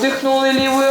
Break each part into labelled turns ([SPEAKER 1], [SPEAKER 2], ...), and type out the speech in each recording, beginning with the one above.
[SPEAKER 1] Вдихнули лівою.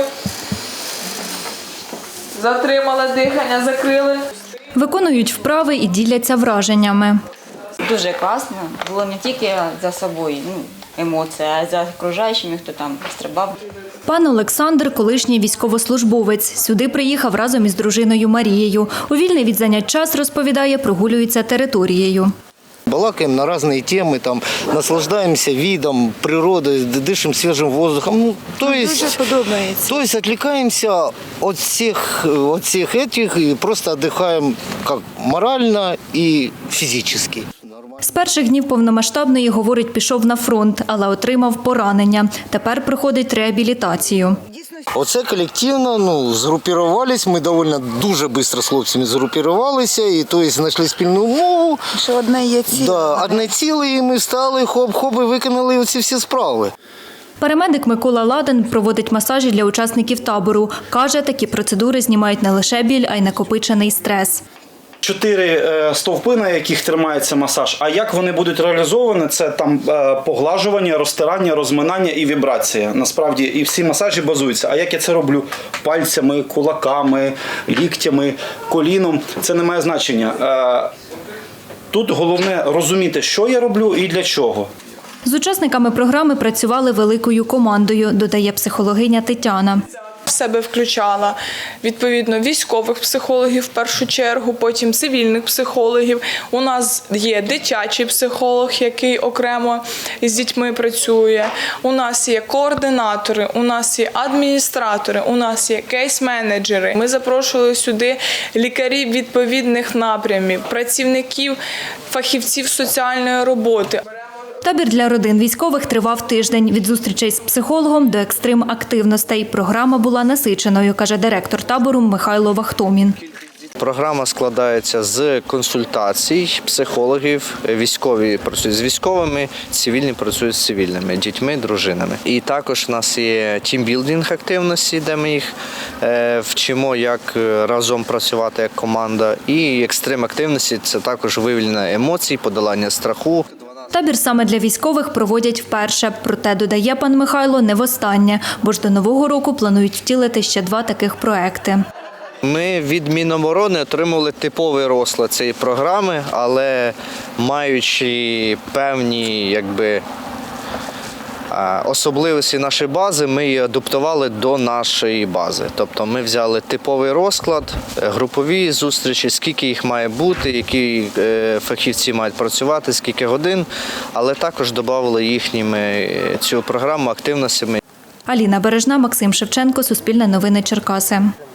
[SPEAKER 1] Затримали дихання, закрили.
[SPEAKER 2] Виконують вправи і діляться враженнями.
[SPEAKER 3] Дуже класно. Було не тільки за собою, емоції, а й за окружаючими, хто там стрибав.
[SPEAKER 2] Пан Олександр – колишній військовослужбовець. Сюди приїхав разом із дружиною Марією. У вільний від занять час, розповідає, прогулюється територією.
[SPEAKER 4] Балакаем на разные темы, там, наслаждаемся видом, природой, дышим свежим воздухом. То есть отвлекаемся от всех этих и просто отдыхаем как морально и физически.
[SPEAKER 2] З перших днів повномасштабної, говорить, пішов на фронт, але отримав поранення. Тепер проходить реабілітацію.
[SPEAKER 4] Оце колективно, згрупувалися, ми дуже швидко з хлопцями згрупувалися, і знайшли спільну мову.
[SPEAKER 5] Що одне є ціле.
[SPEAKER 4] Да, одне ціле, і ми стали, хоп-хоп, і виконали ці всі справи.
[SPEAKER 2] Парамедик Микола Ладен проводить масажі для учасників табору. Каже, такі процедури знімають не лише біль, а й накопичений стрес.
[SPEAKER 6] 4 стовпи, на яких тримається масаж. А як вони будуть реалізовані, це там поглажування, розтирання, розминання і вібрація. Насправді, і всі масажі базуються. А як я це роблю? Пальцями, кулаками, ліктями, коліном. Це не має значення. Тут головне розуміти, що я роблю і для чого.
[SPEAKER 2] З учасниками програми працювали великою командою, додає психологиня Тетяна.
[SPEAKER 1] В себе включала, відповідно, військових психологів в першу чергу, потім цивільних психологів. У нас є дитячий психолог, який окремо з дітьми працює. У нас є координатори, у нас є адміністратори, у нас є кейс-менеджери. Ми запрошували сюди лікарів відповідних напрямів, працівників, фахівців соціальної роботи.
[SPEAKER 2] Табір для родин військових тривав тиждень. Від зустрічей з психологом до екстрим-активностей. Програма була насиченою, каже директор табору Михайло Вахтомін.
[SPEAKER 7] Програма складається з консультацій психологів, військові працюють з військовими, цивільні працюють з цивільними, дітьми, дружинами. І також у нас є тімбілдинг активності, де ми їх вчимо, як разом працювати як команда. І екстрим активності – це також виявлення емоцій, подолання страху.
[SPEAKER 2] Табір саме для військових проводять вперше. Проте, додає пан Михайло, не востаннє, бо ж до Нового року планують втілити ще 2 таких проекти.
[SPEAKER 7] Ми від Міноборони отримали типовий розклад цієї програми, але маючи певні особливості нашої бази, ми її адаптували до нашої бази. Тобто ми взяли типовий розклад, групові зустрічі, скільки їх має бути, які фахівці мають працювати, скільки годин, але також додали їхніми цю програму активностями.
[SPEAKER 2] Аліна Бережна, Максим Шевченко, Суспільне новини Черкаси.